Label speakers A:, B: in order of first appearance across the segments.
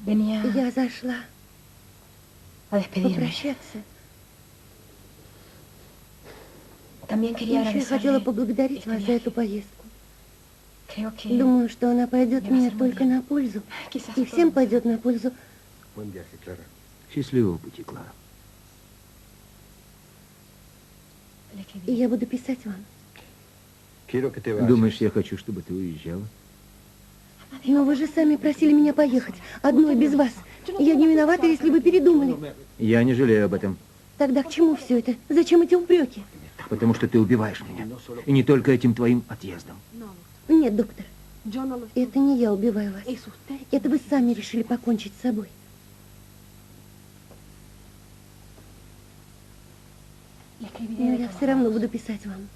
A: Я зашла попрощаться. Еще я хотела поблагодарить вас за эту поездку. Думаю, что она пойдет мне только на пользу. И всем пойдет на пользу.
B: Счастливого пути, Клара.
A: И я буду писать вам.
B: Думаешь, я хочу, чтобы ты уезжала?
A: Но вы же сами просили меня поехать. Одной без вас. Я не виновата, если вы передумали.
B: Я не жалею об этом.
A: Тогда к чему все это? Зачем эти упреки?
B: Потому что ты убиваешь меня. И не только этим твоим отъездом.
A: Нет, доктор. Это не я убиваю вас. Это вы сами решили покончить с собой. Но я все равно буду писать вам.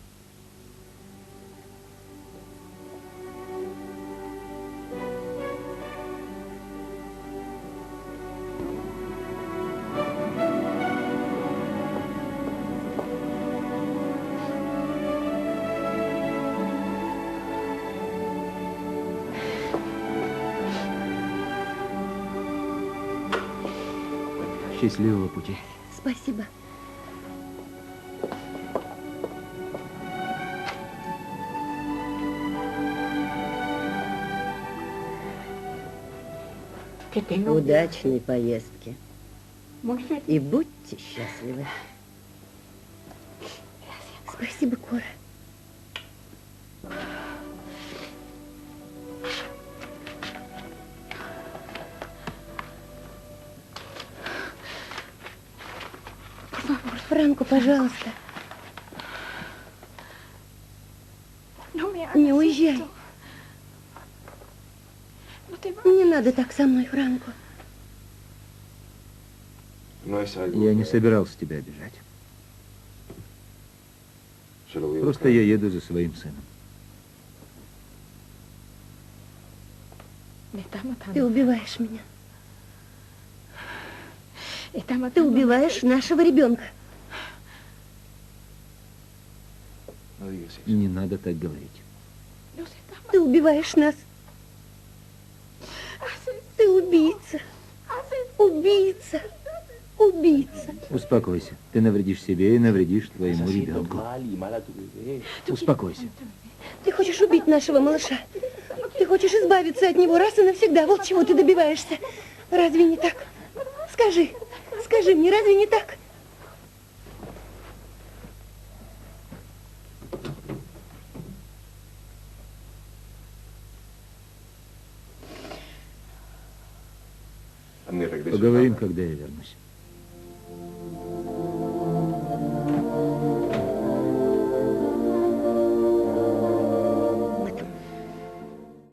B: Счастливого пути.
A: Спасибо.
C: Удачной поездки. И будьте счастливы.
A: Спасибо, Кора. Франко, пожалуйста. Не уезжай. Не надо так со мной, Франко.
B: Я не собирался тебя обижать. Просто я еду за своим сыном.
A: Ты убиваешь меня. Ты убиваешь нашего ребенка.
B: Не надо так говорить.
A: Ты убиваешь нас. Ты убийца. Убийца. Убийца.
B: Успокойся. Ты навредишь себе и навредишь твоему ребенку. Успокойся.
A: Ты хочешь убить нашего малыша. Ты хочешь избавиться от него раз и навсегда. Вот чего ты добиваешься. Разве не так? Скажи. Скажи мне, разве не так?
B: Поговорим, когда я вернусь.